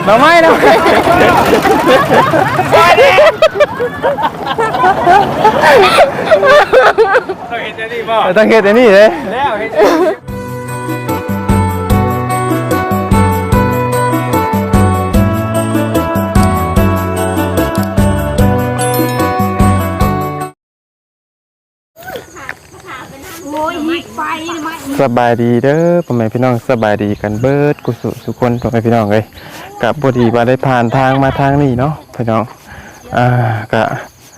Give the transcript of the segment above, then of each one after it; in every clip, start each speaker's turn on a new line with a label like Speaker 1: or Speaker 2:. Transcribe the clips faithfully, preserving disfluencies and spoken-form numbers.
Speaker 1: หน่อไม้หน่อไม้ต้องเห็นแต่นี่บ่ต้องเห็นแต่นี่เลยแล้วเห็นสบายดีเด้อพ่อแม่พี่น้องสบายดีกันเบิดกุศลสุคนพ่อแม่พี่น้องเลยกับพอดีมาได้ผ่านทางมาทางนี้เนาะพี่น้องอ่ากะ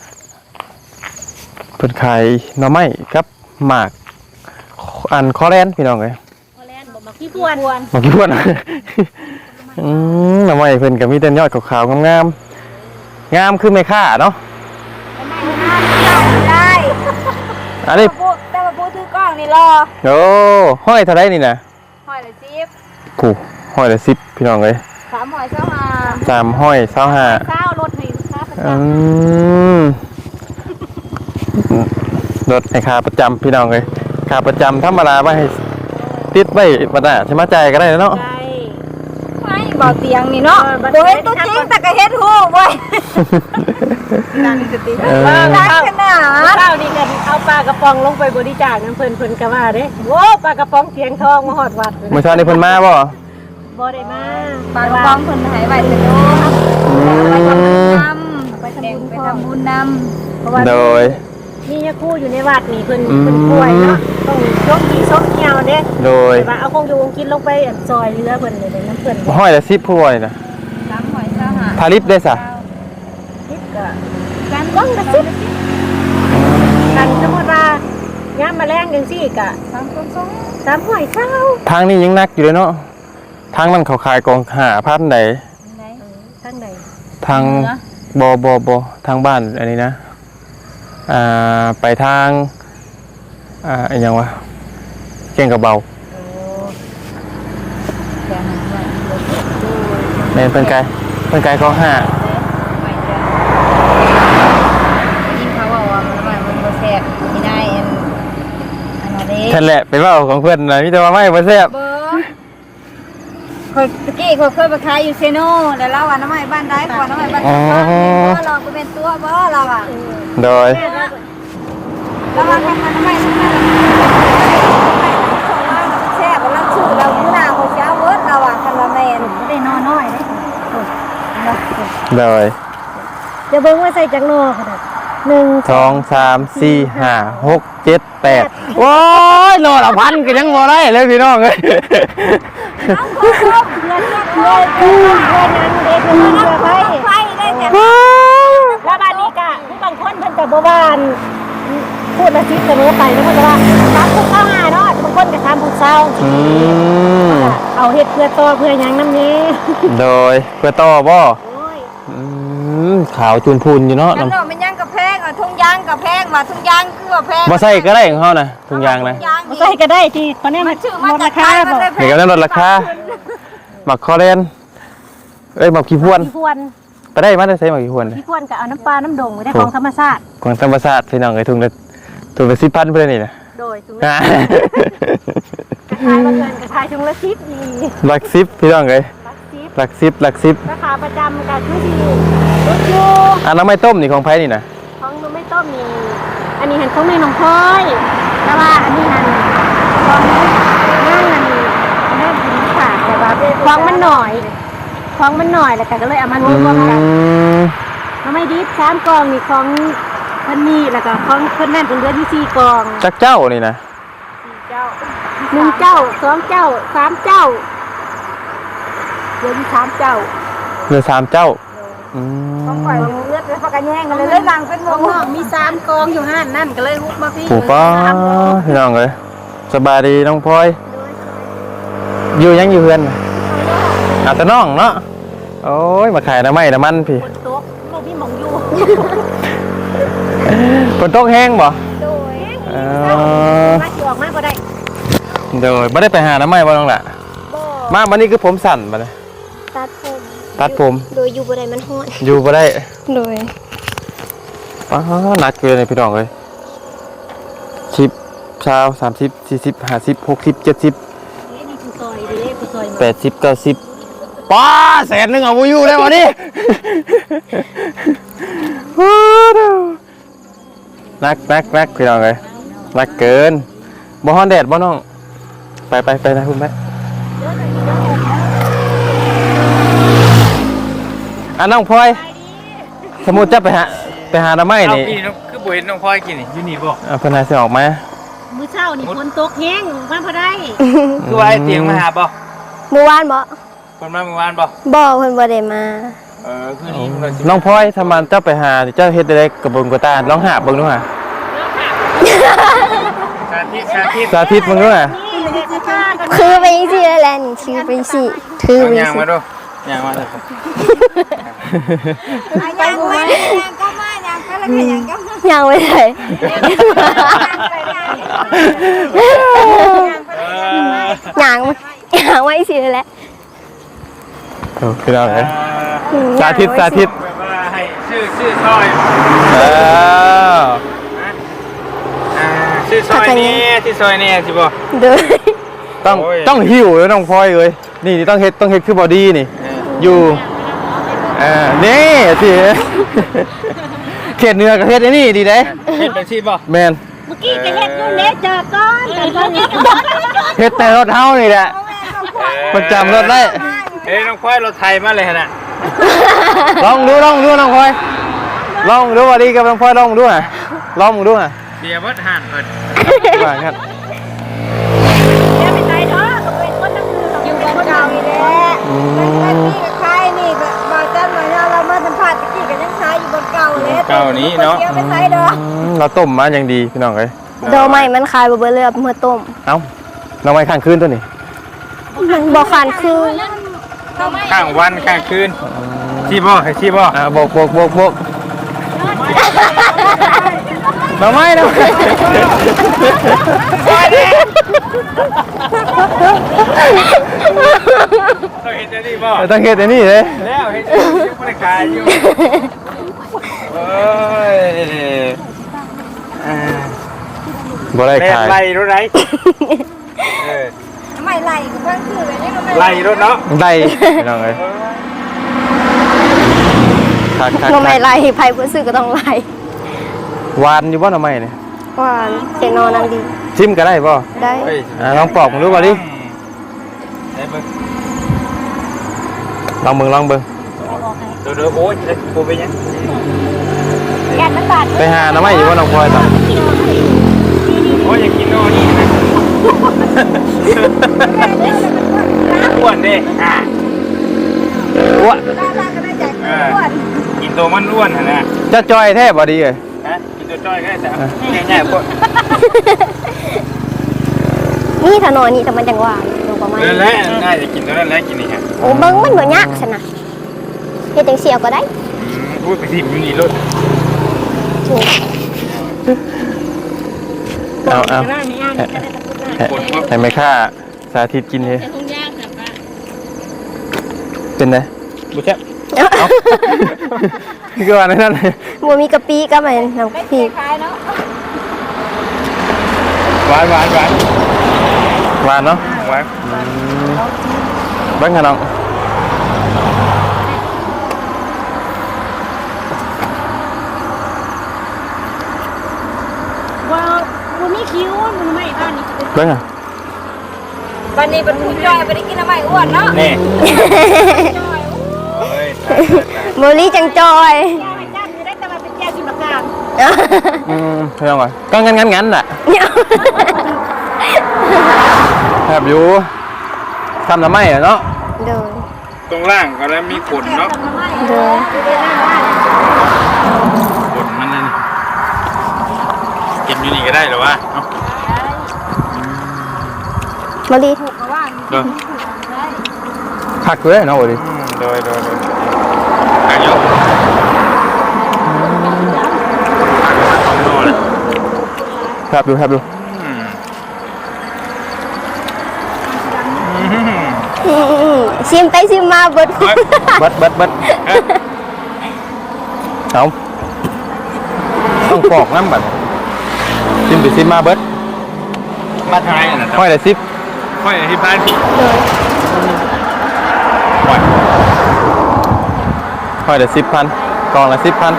Speaker 1: เพิ่นขายหน่อไม้ครับหมากอันคอแลนพี่น้องเลย
Speaker 2: คอแลนบ่มาขี้พวน
Speaker 1: มาขี้พวนอืมหน่อไม้เพิ่นก็มีแต่ยอดขาวๆงามๆงามคือไม่ค่าเนาะ
Speaker 2: ได้
Speaker 1: อันนี้
Speaker 2: แต่ว่าพูดถือกล้องนี่รอ
Speaker 1: โอ้ห้อยเท่าไรนี่นะ
Speaker 2: ห้อยละสิบ
Speaker 1: ผู้ห้อยละสิบพี่น้องเลย
Speaker 2: สามห้อยเศร้าห้า
Speaker 1: สามห้อยเศร้าห้า
Speaker 2: เศร้ารถให้ลูกค้าประจ
Speaker 1: ำรถให้ขาประจำพี่น้องเลยขาประจำธรรมดาไม่ให้ติดไว้ประดาใช่ไหมใจก็ได้เนาะ
Speaker 2: ไม่บ่เตียงนี่เนาะโดยตัวจริงแต่ก็เฮ็ดหูไว้การสติว่าขนาดเช้านี่กันเอาปลากระป๋องลงไปบริจาคน้ำเพิ่นเพิ่นก็ว่าเด้โว้ปลากระป๋องเสียงทองมาหอดวัด
Speaker 1: เมื่อเช้านี้เพิ่นมาบ่
Speaker 2: บ่ได้มาปลากระป๋องเพิ่นหายไว้เถอะเนาะไปทำบุญนำไปทำบุญไปทำบุญนำเพราะว่า
Speaker 1: โดย
Speaker 2: นี่ยาคู่อยู่ในวัดนี่เพิ่นเพิ่นป่วยเนาะต้องยกกี่ซกเหี่ยวเด้
Speaker 1: โดย
Speaker 2: ว่าเอาคงอยู่คงกินลงไปซอยเรือเพิ่นเลยน้ำเพิ่น
Speaker 1: ห้อยละสิบผู้ป่วยนะ
Speaker 2: สามห้อยเศร้าห้า
Speaker 1: ทาริปได้ซะ
Speaker 2: ลิปก็การบ้องละสิบกันสมมุติว่าย่ามแมลงจังซี่ก็สามสองสามห้อยเศร้า
Speaker 1: ทางนี้ยังนักอยู่เลยเนาะทางนั้นเขาขายกองหาพันไหน
Speaker 2: ทางไหน
Speaker 1: ทางบอบอบอทางบ้านอันนี้นะอ่าไปทางอ่าอย่างวะเก่งกับเบาเมนเป็นไกเป็นไกก็ห้า
Speaker 2: ยิ่งเขาบอกว่ามันมันมันแซ่บที่ได้อันอันนี้
Speaker 1: ท่านแหละเป็นว่าของเพื่อนนะพี่แต่ว่าไม่มาแซ่บ
Speaker 2: เคยตะกี้เคยเคยไปขายอยู่เซโน่แล้วเราอ่ะน้ำมันบ้านได้ก่อนน้ำมันบ้านได้ก็ลองไปเป็นตัวบ่เราอ่ะ
Speaker 1: โดย
Speaker 2: แล้วว่ากันน้ำมันแซ่บเราชื่อเราผู้นาเขาเช้าเวิร์ดเราอ่ะคันละแมนได้น้อยน้อย
Speaker 1: โดย
Speaker 2: จะเบิ่งว่าใส่จังโน่ค่ะหนึ่ง
Speaker 1: สองสามสี่ห้าหกเจ็ดแปดโอ้ยโลละพันก็ยังบ่ได้เลยพี่น้องเลย
Speaker 2: เอาเพื่อนเพื่อนเพื่อนเพื่อนเพื่อนนั้นเด็กเพื่อนเพื่อนไปไปได้แต่แล้วบ้านนี้กะผู้บางคนเพิ่นกับโบราณพูดละสิบเสมอไปแล้วมันจะว่าสามผู้เข้าหาเนาะบางคนกับสามผู้เศร้าเอาเห็ดเพื่อต่อเพื่อยังน้ำนี้
Speaker 1: โดยเพื่อต่อบ่ขาวจูนพูนอยู่เนาะ
Speaker 2: น้ำหน่อมันย่างกับแพงอ่ะทุ่งยางกับแพงมาทุ่งยางคือว่าแพง
Speaker 1: บ่ใส่ก็ได้ของเขานะทุ่งยางนะ
Speaker 2: บ่ใส่ก็ได้ที่ตอนนี้มันลดราคาบ่
Speaker 1: เห็นกันลดราคาหมักคอเรนเอ้ยหมักขี้พวนไปได้มาได้ใส่หมักขี้พวน
Speaker 2: ขี้พวนกับเอาน้ำปลาน้ำดงได้ของธรรมชาติ
Speaker 1: ของธรรมชาติพี่น้องไอ้ทุ่งละทุ่งละสิบพันเพื่อนนี่นะ
Speaker 2: โดยทุ่งละกระชายมาเกินกระชายทุ่งละสิบดี
Speaker 1: หลักสิบพี่น้องเลยหลักสิบหลักสิบ
Speaker 2: ราคาประจำกับคือที่รถยู
Speaker 1: อันน้ำไม่ต้มนี่ของไผ่นี่นะ
Speaker 2: ของน้ำไม่ต้มนี่อันนี้เห็นของแม่น้องพลอยแต่ว่าอันนี้หันของนั่งอันนี้แม่กินขาดแต่ว่าของมันหน่อยของมันหน่อยแล้วก็เลยเอามารวมกันน้ำไม่ดิบสามกองนี่ของพันนี่แล้วก็ของเพื่อนนั่นเป็นเดือนที่สี่กอง
Speaker 1: จักเจ้านี่นะ
Speaker 2: สี่เจ้าหนึ่งเจ้าสองเจ้าสามเจ้าเดือนที่สามเจ้า
Speaker 1: เดือนสามเจ้า
Speaker 2: ต้องปล่อยเลือดเลยพอกันแย่งกันเลยเลยลังเป็นวงมีสามกองอยู่ห้านนั่นก็เลยฮุบมาพี่
Speaker 1: ปู่ป้าพี่น้องเลยสบายดีน้องพลอยอยู่ยังอยู่เพื่อนอาจจะน้องเนาะโอ้ยมาขายน้ำไม้น้ำมันพี่
Speaker 2: ฝนตกเราพี่มองอยู่
Speaker 1: ฝนตกแห้งบ่
Speaker 2: โดยมาจอกมากก็ได้
Speaker 1: โดยไม่ได้ไปหาน้ำไม้บ่น้องละมาวันนี้คือผมสั่นมาเลย
Speaker 2: ตัดผม
Speaker 1: ตัดผม
Speaker 2: โดยอยู่บ่ได้มันฮ้อน
Speaker 1: อยู่บ่ได้
Speaker 2: โดย
Speaker 1: ป้าหนักเกินเลยพี่น้องเลยชิปชาวสามสิบสี่สิบห้าสิบหกสิบเจ็ดสิบแปดสิบเก้าสิบป้าแสนหนึงเอาบ่อยู่แล้ววันนี้นักนักนักพี่น้องเลยนักเกินบ่ฮ้อนแดดบ่น้องไปไปไปนะคุณแม่อ่ะน้องพลอยสมมุติจะไปหาไปหาหน่อไม้
Speaker 3: เอา
Speaker 1: นี่
Speaker 3: พี่น้องคือบ่เห็นน้องพลอยกินนี่อยู่นี่บ่
Speaker 1: อ่ะเพิ่นหาสิออกมา
Speaker 2: มื้อเช้านี่ฝนตกแห้งมาพอได้
Speaker 3: คือว่าไอ้เตียงมาหาบ่
Speaker 4: เมื่อวานบ่
Speaker 3: คนมาเมื่อวานบ่
Speaker 4: บ่เพิ่นบ่ได้มา
Speaker 3: เออคือนี่มันสิ
Speaker 1: น้องพลอยถ้ามันเจ้าไปหาเจ้าเฮ็ดได้กระบวนกระตาลองหาเบิ่งดูหา
Speaker 3: สาธิตสาธิต
Speaker 1: สาธิตเบิ่งดูหา
Speaker 2: นี่เฮ็ดสิพากัน
Speaker 4: คือไปจังซี่แล้วแหละนี่ถือไปสิถือ
Speaker 3: เอา
Speaker 4: ไป
Speaker 3: ยาง
Speaker 4: สิ
Speaker 3: มาดูยางมาเถอะ
Speaker 2: ไปบ่มา
Speaker 4: ยังไม่ได้
Speaker 3: เออ
Speaker 4: ยังยังไว้สิแหละ
Speaker 1: โอ้คือเอาเลย
Speaker 4: อืม
Speaker 1: สาธิตสาธิต
Speaker 3: แบบว่าให้ชื่อชื่อซอย
Speaker 1: เออ
Speaker 3: อ่าชื่อซอยนี้ที่ซอยนี้สิบ่
Speaker 4: เด้อ
Speaker 1: ต้อง
Speaker 3: โอ้ย
Speaker 1: ต้องหิวเลยน้องพลอยเอ้ยนี่นี่ต้องเฮ็ดต้องเฮ็ดคือบอดี้นี่
Speaker 3: เออ
Speaker 1: อยู่เอ่านี่สิเขตเหนือกับเขตไอ้นี่ดีเด้
Speaker 3: เฮ็ดเป็นสิบ่
Speaker 1: แมน
Speaker 2: เมื่อกี้จะเฮ็ดอยู่เด้เจอก่อนแต่ตอนนี้
Speaker 1: เฮ็ดแต่รถเฮานี่แหละประจำรถได้
Speaker 3: เฮ้ยน้องพลอยรถไทยมาเลยหั่นน่ะ
Speaker 1: ลองดูลองดูน้องพลอยลองดูบอดี้กับน้องพลอยลองดูฮะลองดูฮะ
Speaker 3: เสียเบิดห่านเพิ่น
Speaker 1: ว่าครับ
Speaker 2: อย่าไปใจเนาะก็เป็นคนนั่งอยู่กับคนเก่าอีแหละ
Speaker 1: อืม
Speaker 5: ใครนี่ก็มาจันมาเรามาสัมผัสตะกี้ก็ยังใช้อยู่บนเก่าเลย
Speaker 3: เก่านี้เนาะ
Speaker 5: เดี๋ยวไปใช้ดอก
Speaker 1: อืมเราต้มมาอย่างดีพี่น้องเอ้ย
Speaker 4: ดอกไม้มันคายบ่เบิดเลยเมื่อต้ม
Speaker 1: เอ้าน้องไม้ข้างคืนตัวนี้
Speaker 4: มันบ่คันคือ
Speaker 3: ข้างวันข้างคืนสิบ่ให้สิบ่
Speaker 1: อ่าโบกโบกโบกโบกน้องไม้น้องไม้
Speaker 3: เราเห็นจะดีบ่
Speaker 1: ต้องเฮ็ดไอ้นี่เลย
Speaker 3: แล้วเห็นจะดีบ่ได้ขายอยู่โอ้ยอ่า
Speaker 1: บ่ได้
Speaker 3: แม่
Speaker 1: ขาย
Speaker 3: ไล่รถไหนเออ
Speaker 5: ไม่ไหลก็เพิ่งคือเลยนี่มันไม่
Speaker 3: ไล่รถเนาะ
Speaker 1: ได้พี่น้องเอ้ยคักคัก
Speaker 4: บ่แม่
Speaker 1: คัก
Speaker 4: ไล่ไผบ่ซื้อก็ต้องไล่
Speaker 1: หวานอยู่บ่หน่อไม้นี่
Speaker 4: ว่าเสนอนังดี
Speaker 1: ชิมก็ได้บ่
Speaker 4: ได้
Speaker 3: เฮ้ย
Speaker 1: อ่าลองปอกมึงดูบ่ดิ
Speaker 3: ได้เบิ่ง
Speaker 1: ลองเบิ่งลองเบิ่ง
Speaker 3: เดี๋ยวเดี๋ยวโอ้ยจะกูไปยัง
Speaker 2: แกนมันบาด
Speaker 1: ไปหาหน่อไม้อยู่บ่น้องพลอยตอน
Speaker 3: โอ้ยอยากกินโน่นนี่นะอ้วนดิอ่ะ
Speaker 1: อ้วะ
Speaker 5: ได้ได้ก็ได้จาก
Speaker 3: เออกินตัวมันอ้วนหั่นน่ะ
Speaker 1: จะจอยแท้บ่ดีเอ้ย
Speaker 3: ฮะกินตัวจ้อยก็ได้แต่ง่ายๆพวก
Speaker 4: นี่ถนนนี่แต่มันจังหวะลงประมาณ
Speaker 3: นั่นแหละง่ายจะกินตัวนั้นแหละกินนี่ฮะ
Speaker 4: โอ้เบิ่งมันบ่ยากซั่นน่ะเฮ็ดจังซี่เอาก็ได้
Speaker 3: พูดไปสิอยู่นี่รถ
Speaker 4: ถูก
Speaker 1: เอาเอา
Speaker 2: หน้ามีอ่างจะได้ตะกุดหน้า
Speaker 1: ให้ให้แม่ค้าสาธิตกินเลย
Speaker 2: แต่คงยากแบบว่า
Speaker 1: เป็นไง
Speaker 3: บุเช่
Speaker 1: คือว่าในนั้น
Speaker 4: บ่มีกะปิก็มันน้ำพริก
Speaker 5: ขายเนาะ
Speaker 3: หวานหวานหวาน
Speaker 1: หวานเนาะ
Speaker 3: หวาน
Speaker 1: เบิ่งค่ะน้อง
Speaker 2: ว่าบ่มีคิ้วมันไม่บ้านนี้
Speaker 1: เบิ่งอ่ะ
Speaker 5: วันนี้เป็นผู้ย่อยไปได้กินอะไรอ้วนเนาะ
Speaker 3: นี่เฮ้ย
Speaker 4: บ่ลีจังจอย
Speaker 2: แก้วให้จ้างจะได้แต่ว่าเป็นแก้วชิมประการ
Speaker 1: อืมเพื่อนก่อนก็งั้นงั้นงั้นแหละแอบอยู่ทำทำไมอ่ะเนาะ
Speaker 4: เด้อ
Speaker 3: ตรงล่างก็แล้วมีขนเนาะ
Speaker 4: เด้อ
Speaker 3: ขนมันนั่นเก็บอยู่นี่ก็ได้หรอวะเนาะ
Speaker 4: บ่ลี
Speaker 3: เดี๋ยว
Speaker 1: คักเลยเนาะโอ้ดิ
Speaker 3: โดยโดยโดยอายุโน่เลย
Speaker 1: ครับดูครับดู
Speaker 3: อืม
Speaker 4: อืมซิมไปซิมมาเบิด
Speaker 3: เฮ้ย
Speaker 1: เบัดเบัดเบัดเอาต้องปอกน้ำบัดซิมไปซิมมาเบิด
Speaker 3: มาทางไหนน่ะ
Speaker 1: ค่อยได้ซิป
Speaker 3: ค่อยที่พานพี่
Speaker 4: เด้อ
Speaker 3: ปล่อย
Speaker 1: ค่อยเดี๋ยวสิบพันกองละสิบพัน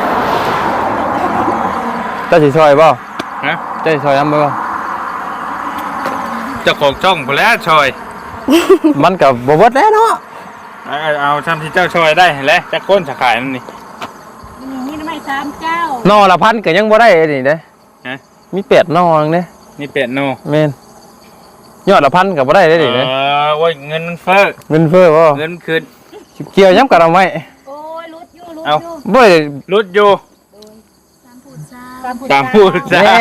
Speaker 1: เจ้าสิซอยบ่
Speaker 3: ฮะ
Speaker 1: เจ้าสิซอยน้ำบ่
Speaker 3: เจ้าของช่องพอแล้วชอย
Speaker 1: มันกับบ่เบิดแล้วเนาะ
Speaker 3: เอาเอาทำที่เจ้าชอยได้แล้วจะก้นจะขายนั่นนี่
Speaker 2: นี่นี่ทำไมสามเจ้า
Speaker 1: นอละพันก็ยังบ่ได้นี่เด้
Speaker 3: ฮะ
Speaker 1: มีแปดนอนึงเด้
Speaker 3: นี่เป็ดโน
Speaker 1: แม่นยอดละพันก็บ่ได้เด้
Speaker 3: เอ
Speaker 1: นี่เด้
Speaker 3: อโอ้ยเงินมันเฟ้อ
Speaker 1: เงินเฟ้อบ่
Speaker 3: เงินคืน
Speaker 1: เกี่ยวย้ำกับเราไว้
Speaker 2: โอ้ยรุดอยู่รุด
Speaker 3: เอา
Speaker 2: อยู่
Speaker 1: บ่ได้
Speaker 3: รุดอยู่
Speaker 2: สามผูดซา
Speaker 3: ตามพูดจ้า
Speaker 1: แน่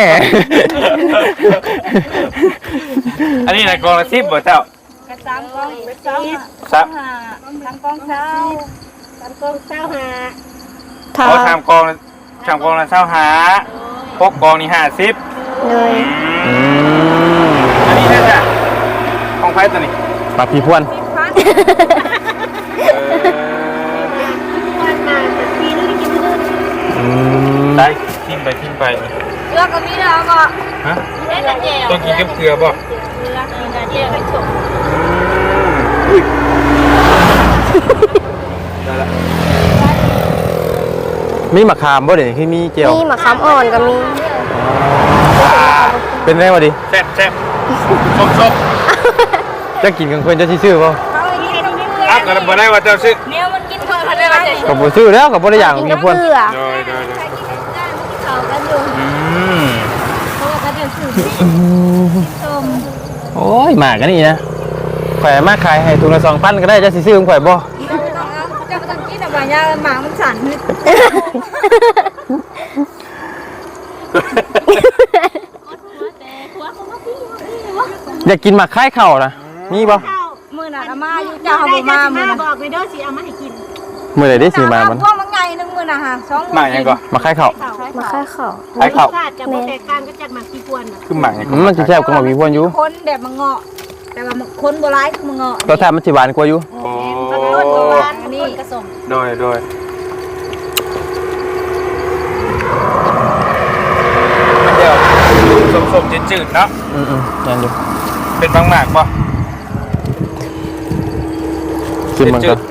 Speaker 3: อันนี้นะกองละสิบบ่เจ้าก
Speaker 5: ระซ้ำกองไปซ้ำ
Speaker 3: ซับ
Speaker 5: หาทางกองเช้า
Speaker 2: สามกองเจ้าหา
Speaker 4: ถ้า
Speaker 3: เอาทำกองละทำกองละเช้าหาพกกองนี่ห้าสิบ
Speaker 4: เลย
Speaker 1: อืม
Speaker 3: อันนี้น่าจะของไพ่ตัวนี้
Speaker 1: ปากพี่พวน
Speaker 3: เออ
Speaker 2: วันมาจะปีนึงกินนึง
Speaker 1: อืม
Speaker 3: ได้ทิ้งไปทิ้งไป
Speaker 5: เลือกก็มีแล้วก็
Speaker 3: ฮะ
Speaker 2: เล่นแต่เจียว
Speaker 3: ต้องกินกับเกลือบ่
Speaker 2: เลือกกินแต่เจียวไปจบ
Speaker 3: อุ้ยได้ละ
Speaker 1: มีมะขามบ่เดี๋ยวนี้คือมีเจียว
Speaker 4: มีมะขามอ่อนก็มี
Speaker 1: เป็นไงวะดิ
Speaker 3: แซ่บแซ่บชมชม
Speaker 1: จะกินกันเพิ่นจะสิซื้อบ่
Speaker 5: เขาอีกทีนึงนี่
Speaker 3: อ่ะก็บ่ได้ว่าเจ้าซื้อ
Speaker 5: เนี่ยมันกินเพิ่มพันได้ไหม
Speaker 1: ก็บ่ซื้อแล้วก็บ่ได้อย่างมีพวน
Speaker 4: เกลือ
Speaker 3: โดยโดยโดย
Speaker 5: เขากันอยู่
Speaker 3: อืม
Speaker 5: เพราะว่าเขาเดี๋ยวสื่อชม
Speaker 1: โอ้ยหมากันนี่นะข่อยมาขายให้ถุงละสองพันก็ได้จะสิซื้อของข่อยบ่
Speaker 5: เจ้าไม่ต้องเอาเจ้าไม่ต้องกินอะไรยาหมามันสั่น
Speaker 1: อยากกินหมักคล้ายเข่านะมีบ่
Speaker 2: ข้าว
Speaker 5: มือหนักมาอยู่เจ้าเขาบอกมามือ
Speaker 2: มา
Speaker 5: นะ
Speaker 2: บอกไปเด้อสิเอามาให้กิน
Speaker 1: มื้อใดได้สิมามัน
Speaker 5: พวกมันไงนึงมือนะฮะสอง
Speaker 3: หมากยังก่อน
Speaker 1: หมักคล้ายเข่า
Speaker 4: มาค่ายข้าว
Speaker 3: ไอ้ข้าว
Speaker 2: ชาติกับแตกต่างก็จากหมากที่ควรน่ะ
Speaker 3: คือหมากยัง
Speaker 1: อืมมันสิแซ่บกว่าหมักมีพวนอยู่
Speaker 5: คนแบบมันเงาะแต่ว่าคนโบราณคือมันเงาะ
Speaker 1: รสชาติมันสิหวานกว่าอยู่
Speaker 3: โอ้
Speaker 2: ต้นโบราณต้นกระสม
Speaker 3: โดยโดยเดี๋ยวสมๆจืดๆเนาะ
Speaker 1: อืมๆนั่นอยู่
Speaker 3: เป็นบางหมากป่ะ
Speaker 1: กินมันก็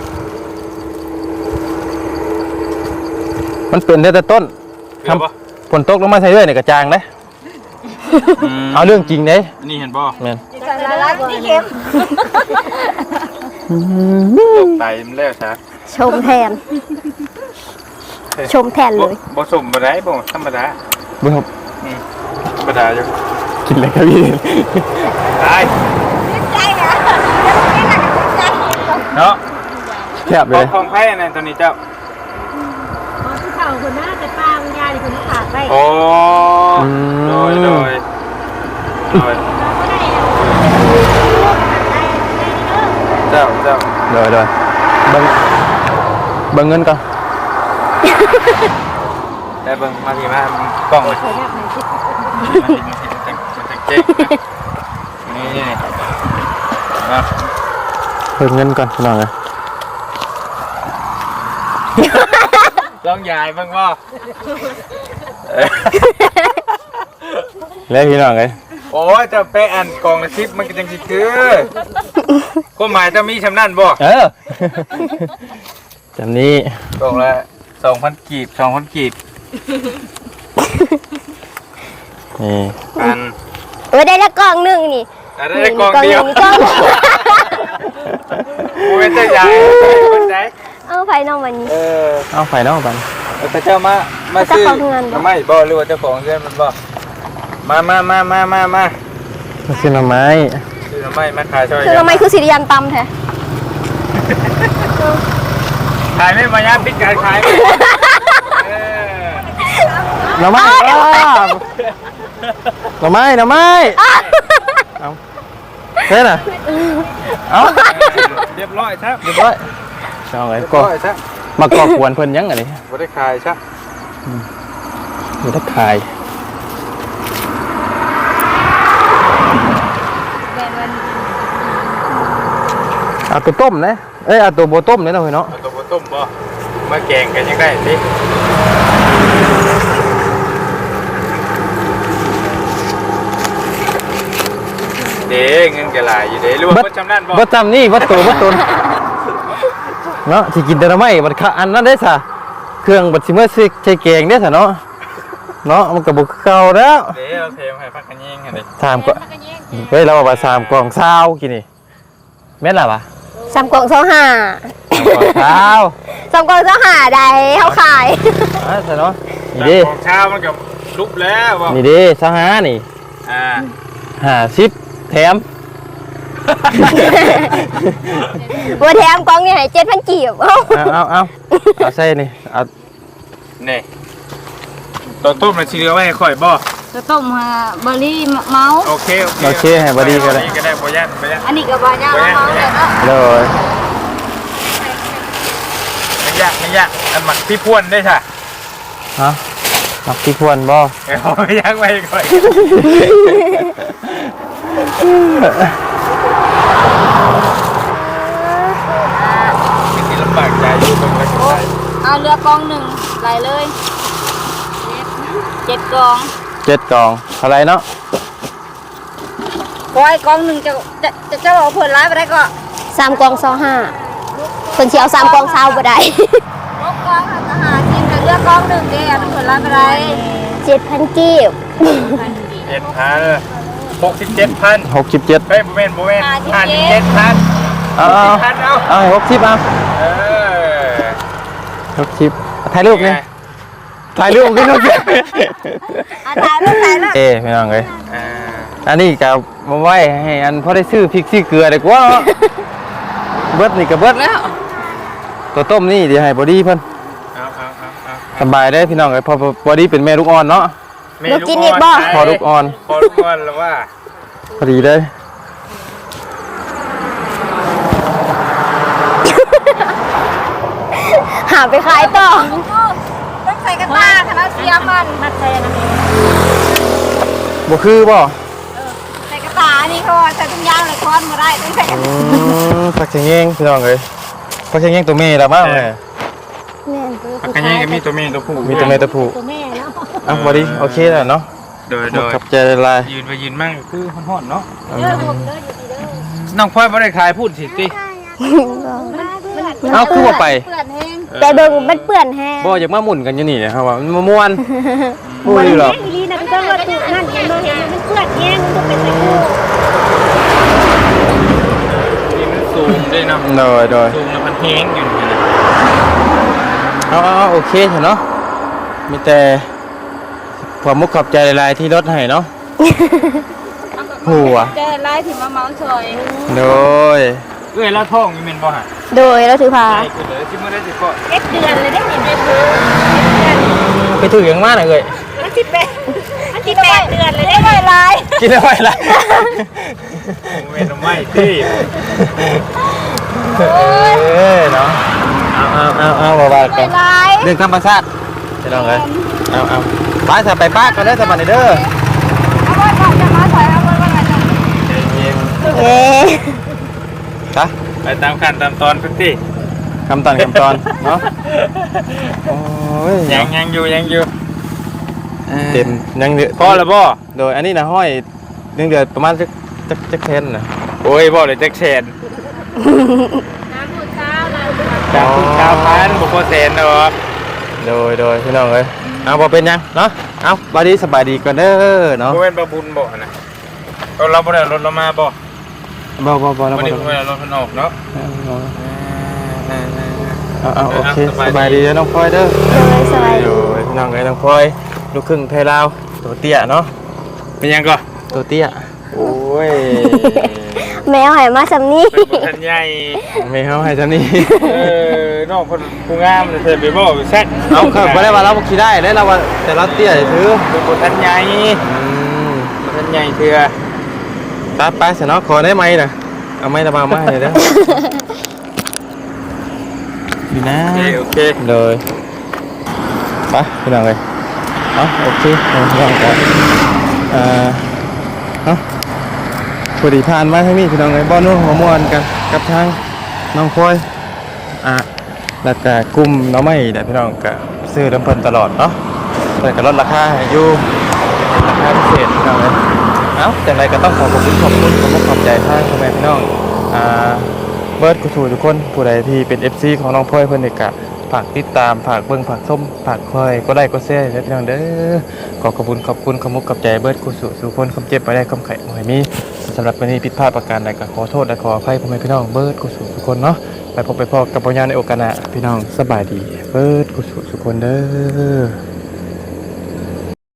Speaker 1: มันเป็นได้แต่ต้น
Speaker 3: เกลือป่ะ
Speaker 1: ฝนตกลงมาใส่ด้วยเนี่ยกระจางเด้เอาเรื่องจริงเด้
Speaker 3: อันนี้เห็นป่ะ
Speaker 1: แม่น
Speaker 5: ใส่ละลายที่เค็ม
Speaker 3: ตกไตมันแล้วซะ
Speaker 4: ชมแทน ชมแทนเลย
Speaker 3: บ่สมบ่ได้บ่ธรรมดา
Speaker 1: เบิ่งครับ
Speaker 3: อืมธรรมดาอยู่
Speaker 1: กินเลยครับพี่
Speaker 3: ตาย
Speaker 5: ใจนะใจ
Speaker 3: เนาะ
Speaker 1: แซ่บเล
Speaker 3: ขอย งของไผ่อันนั้นตัวนี้เจ้า
Speaker 2: พอที่เข่าคนหน้าแต่ป้าคุณยายคนขาดไป
Speaker 3: โอ้โดยโดยโดยเจ้าเจ้า
Speaker 1: เดี๋ยวเดี๋ยวเบิ่งเบิ่งเงินก่อน
Speaker 3: ได้เบิ่งมาทีมากล้องเลยมาทีมาทีมันจะเจ๊กนี่นี่อ่ะ
Speaker 1: เบิ่งเงินก่อนพี่น้องเลย
Speaker 3: ลองยายบ้างว่า
Speaker 1: แล้วพี่น้องเลย
Speaker 3: โอ้ยจะไปอ่านกองละสิบมันก็จังสิคือก็หมายจะมีชำนาญบ่
Speaker 1: เออจำนี้
Speaker 3: กองละสองพันกีบสองพันกีบ
Speaker 1: นี่
Speaker 3: อัน
Speaker 4: เออได้ละกล่องหนึ่งนี่
Speaker 3: อันได้กองเดียว
Speaker 4: นี่กล่องหนึ่ง
Speaker 3: กูเป็นเจ้าใหญ่คนไหน
Speaker 4: เอาไฟนอกวันนี้
Speaker 3: เออ
Speaker 1: เอาไฟนอกกัน
Speaker 3: แต่เจ้ามามาซื้อ
Speaker 4: เจ้าของเงินบ่
Speaker 3: ไม่บ่หรือว่าเจ้าของเงินมันบ่มามามามามามา
Speaker 1: มาซื้อหน่อไม้
Speaker 3: ซื้อทำไมมาขายช่วย
Speaker 4: คือทำไมคือสิริยันตำแท้
Speaker 3: ขายไม่มายาปิดการขายไม่เออ
Speaker 1: หน่อไม้อ้าวหน่อไม้หน่อไม้เอาเท่น่ะเอา
Speaker 3: เรียบร้อยครับ
Speaker 1: เรียบร้อยเอาไง
Speaker 3: เรียบ
Speaker 1: ก็
Speaker 3: ร้อยครับ
Speaker 1: มาก่อกวนเพิ่นยังไงนี่
Speaker 3: บ่ได้ขายครับ
Speaker 1: อยู่ทักขาย เอาตัวต้มนะเอ้ยเอาตัวโบต้มเนี่ยเนาะเฮ้ยเนาะ
Speaker 3: เอาตัวบ่ต้มบ่มาแกงกันยังได้สิเด้เงินก็หลายอยู่เด้รู้ว่าบ่จำนั่นบ่
Speaker 1: บ่จำนี่บ่ตัวบ่ตนเนาะสิกินแต่ละไม้บัดคะอันนั้นได้ซะเครื่องบัดสิเมื่อสิใช้แกงได้ซะเนาะเนาะมันก็บ่คือเก่าแล้ว
Speaker 3: เดี๋ยวเทมให้พักกันยิงกันดิ
Speaker 1: สามก็เฮ้ยเราบอกว่าสามกล่องเช้ากินนี่แม่นล่ะวะ
Speaker 4: สามกล่องเท่าห้า
Speaker 1: สามกล่องเช้า
Speaker 4: สามกล่องเท่าห้าได้เขาขาย
Speaker 1: อ่ะซะเนาะนี่ดิ
Speaker 3: ของเช้ามันกับลุกแล้วบอก
Speaker 1: นี่ดิซะหานี่
Speaker 3: อ่า
Speaker 1: ห้าสิบแถม
Speaker 4: บัวแถมกล่องนี่ให้เจ็ดพันกีบเอ้า
Speaker 1: เอาเอาเอาเอาใส่นี่เอา
Speaker 3: นี่ตอนต้มมันชีเรือไว้ให้ค่อยบ่
Speaker 5: จะต้มฮะเบอร์รี่เมาส์
Speaker 3: โอเคโอเค
Speaker 1: โอเคให้บอดี้ก็ได้
Speaker 3: ก็ได้บ่ยันบ่ยัน
Speaker 5: อันนี้ก็บายาเมาส์เลยเนาะ
Speaker 1: เลย
Speaker 3: ไม่ยากไม่ยากอันหมักพี่พ่วนได้ค่ะ
Speaker 1: ฮะมักที่ควรบ่
Speaker 3: เอาไม่ยากไว้ค่อยไม่ติดลำบากใจอยู่ตรงนั้น
Speaker 5: เอาเรือกองหนึ่งไหลเลยเจ็ดกอง
Speaker 1: เจ็ดกล่องเท่าไหรเนาะ
Speaker 5: กอยกองหนึ่งจะจะจะจะบอกเพิ่นร้ายไปได้ก็
Speaker 4: สามกล่องเท่าห้าคนสิเอาสามกล่องเช้าบ่ได้
Speaker 5: กกองทหารจริงแต่เรือกองหนึ่งเด้อเพิ่นร้ายไปได้
Speaker 4: เจ็ดพันกีบ
Speaker 3: เจ็ดพันหกสิบเจ็ดพัน
Speaker 1: หกสิบเจ็ด
Speaker 3: เฮ้ยโบเมนโบเมนห้าสิบเจ็ดพัน
Speaker 1: เอาเอา
Speaker 3: พันเอา
Speaker 1: เอาหกสิบเอา
Speaker 3: เออ
Speaker 1: หกสิบถ่ายรูปนี่ถ่ายรูปกันหกสิบ
Speaker 5: อ่ะตายแล้วตายแล้ว
Speaker 1: เอ้ไม่ต้องเลย
Speaker 3: อ่า
Speaker 1: อันนี้กับมาไว้ให้อันพอได้ซื้อพริกซื้อเกลือดีกว่าเนาะเบิดนี่กับเบิดแล้วตัวต้มนี่เดี๋ยวให้บอดี้เพิ่น
Speaker 3: เอาเอาเอาเอา
Speaker 1: สบายได้พี่น้องเลยเพอบอดี้เป็นแม่ลูกอ่อนเนาะ
Speaker 3: เมนูอ่อน
Speaker 1: พอลูกอ่อน
Speaker 3: พอลูกอ่อนแล้วว่า
Speaker 1: พอดีเลย
Speaker 4: หาไปขายต่อ
Speaker 5: ต้องใส่กระตาคณะเสียมันมัดใส่นะ
Speaker 1: บ่คือบ่
Speaker 5: ใส่กระตานี่เขาใส่ถุงยางเลยค้อนมาได้ต้องใส่กระ
Speaker 1: อื
Speaker 5: ตาม
Speaker 1: ผักเชียงเองพี่น้องเลยผักเชียงเองตัวเมย์ละมั้งเลย
Speaker 3: ผักกระเทียมก็มีตัวเมนตัวผู้
Speaker 1: มีตัวเมย์ตัวผู้
Speaker 2: ตัวแม่เนาะ
Speaker 1: อ่ะบอดี้โอเคแล้วเนาะ
Speaker 3: โดย
Speaker 1: ห
Speaker 3: โด
Speaker 1: มด
Speaker 3: ย
Speaker 1: ขับใจลาย
Speaker 3: ยืนไปยืนมั่งคือห่อนๆเนาะน้องพลอยไม่ได้ขายพูดสิติ
Speaker 1: เอาคือว่าไป
Speaker 5: เปื่อนแห้ง
Speaker 4: แต่เบิ่งมันเปื้อนแห้ง
Speaker 1: บ่อยากมาหมุนกันอยู่นี่นะครับว่ามันมาม่วนพูดอยู่หรอก
Speaker 2: อีลีนะก็ต้องว่าตุนั่นเห็นบ่เห็นมันเปื้อนแห้งมันต้องเป็นตะกู
Speaker 3: นี่มันสูงด้วยเนาะ
Speaker 1: โดยโดย
Speaker 3: สูงแล้วมันแห้งอยู่นี่นะ
Speaker 1: เอาเอาเอาโอเคเถอะเนาะมีแต่ความมุกขอบใจหลายๆที่ลดให้เนาะหัว
Speaker 5: เจอไล่ถึงมาเมาส์ซอย
Speaker 1: โดย
Speaker 3: เอ้ยแล้วท้องนี่แม่นบ่ฮะ
Speaker 4: โดยเราถือพา
Speaker 3: ใช่คือเลยที่มื้อได้สิก็
Speaker 2: เอ็ดเดือนเลยได้เห็นไหมเพิ่น
Speaker 1: ไปถืออย่างมากเลย
Speaker 2: มันสิแปดมันสิแปดเดือนเลยได้
Speaker 5: ไม่ไล่
Speaker 1: กินได้ไหมล่ะ
Speaker 3: เว้นไม่ที่
Speaker 1: เออเนาะเอาเอาเอาเอาว่ากัน
Speaker 5: ไล่
Speaker 1: เรื่องธรรมชาติจะลองเลยเอาเอาไปสไปป้ากันได้สบันเด้อ
Speaker 5: เอาไว้ก่อนจะมาใส่เอาไว้ก่อนจะ
Speaker 4: เอ๊ะ
Speaker 1: จ้ะ
Speaker 3: ไปตามขั้นตามตอนพื้นที่
Speaker 1: คำตอนคำตอนเนาะโอ้ย
Speaker 3: ยังยังอยู่ยังอยู่
Speaker 1: เต็มยังเดือด
Speaker 3: พอแล้วบ่
Speaker 1: โดยอันนี้นะห้อยเดือดเดือดประมาณจักจักจักเทนนะ
Speaker 3: โอ้ยบ่เลยแจ็คแชน
Speaker 2: น้ำหมดเช้าเรา
Speaker 3: จากเก้าพันบุกโคเซนเนาะ
Speaker 1: โดยโดยพี่น้องเลยเอาพอเป็นยังเนาะเอาบาดีสบายดีก่อนเด้อเนาะ
Speaker 3: บ่เป็นประบุญบ่นะเราเราบ่ได้รถเรามาบ่
Speaker 1: บ่บ่บ่แล้ว
Speaker 3: บ่
Speaker 1: บ่
Speaker 3: ได้
Speaker 1: แล้ว
Speaker 3: บ่ได้รถมันออกเนาะ
Speaker 1: เอาเอาโอเคสบายดีน้องพลอยเด้อ
Speaker 4: โดยสบาย
Speaker 1: โดยพี่น้องเลยน้องพลอยลูกครึ่งไทยลาวตัวเตี้ยเนาะ
Speaker 3: เป็นยังก็
Speaker 1: ตัวเตี้ย
Speaker 3: โอ้ย
Speaker 4: แมวใหายมาสำนี้
Speaker 3: เป็นบุทันใหญ่
Speaker 1: ไม่เข้าให้ท่านี้
Speaker 3: เออน้องคนผู้งามเลยเธอไปบ่แซ่บ
Speaker 1: เอาครับบ่ได้ว่าเราบ่ขี่ได้แล้วเราว่าแต่เราเตี้ยถือ
Speaker 3: เป็นบุทันใหญ่
Speaker 1: อืม
Speaker 3: บุทันใหญ่เถื่อ
Speaker 1: ตัดไปเสยเนาะขอได้ไหมน่ะเอาไม้ระบายมาให้เด้อดีนะ
Speaker 3: โอเคโอเค
Speaker 1: เลยไปพี่น้องเลยเอาโอเคเอาพี่น้องกันอ่าเอาพอดีผ่านมาทางนี้พี่น้องเลยบ้านนู้นหัวมวนกันกับทางน้องพลอยอ่ะแล้วก็กลุ่มน้องไม่แต่พี่น้องก็ซื้อน้ำเพิ่นตลอดเนาะแต่ก็ลดราคาให้อยู่ราคาพิเศษพี่น้องเลยเอ้าแต่ไรก็ต้องขอขอบคุณขอบคุณขอบคุณขอบใจทางพ่อแม่พี่น้องอ่าบบิร์ดกุศลทุกคนผู้ใดที่เป็น เอฟ ซี ของน้องพลอยเพิ่นนี่ก็ฝากติดตามฝากเบิ่งฝากชมฝากคอยก็ได้ก็แซ่เด้อพี่น้องเด้อขอขอบคุณขอบคุณขมุกกับใจเบิร์ดกุศลทุกคนคำเจ็บไปได้คำไข่บ่ให้มีสำหรับวันนี้ผิดพลาดประการใดก็ขอโทษและขออภัยพ่อแม่พี่น้องเบิร์ดกุศลทุกคนเนาะไปพบไปพบกับปัญญาในโอกาสหน้าพี่น้องสบายดีเบิร์ดกุศลทุกคนเด้อ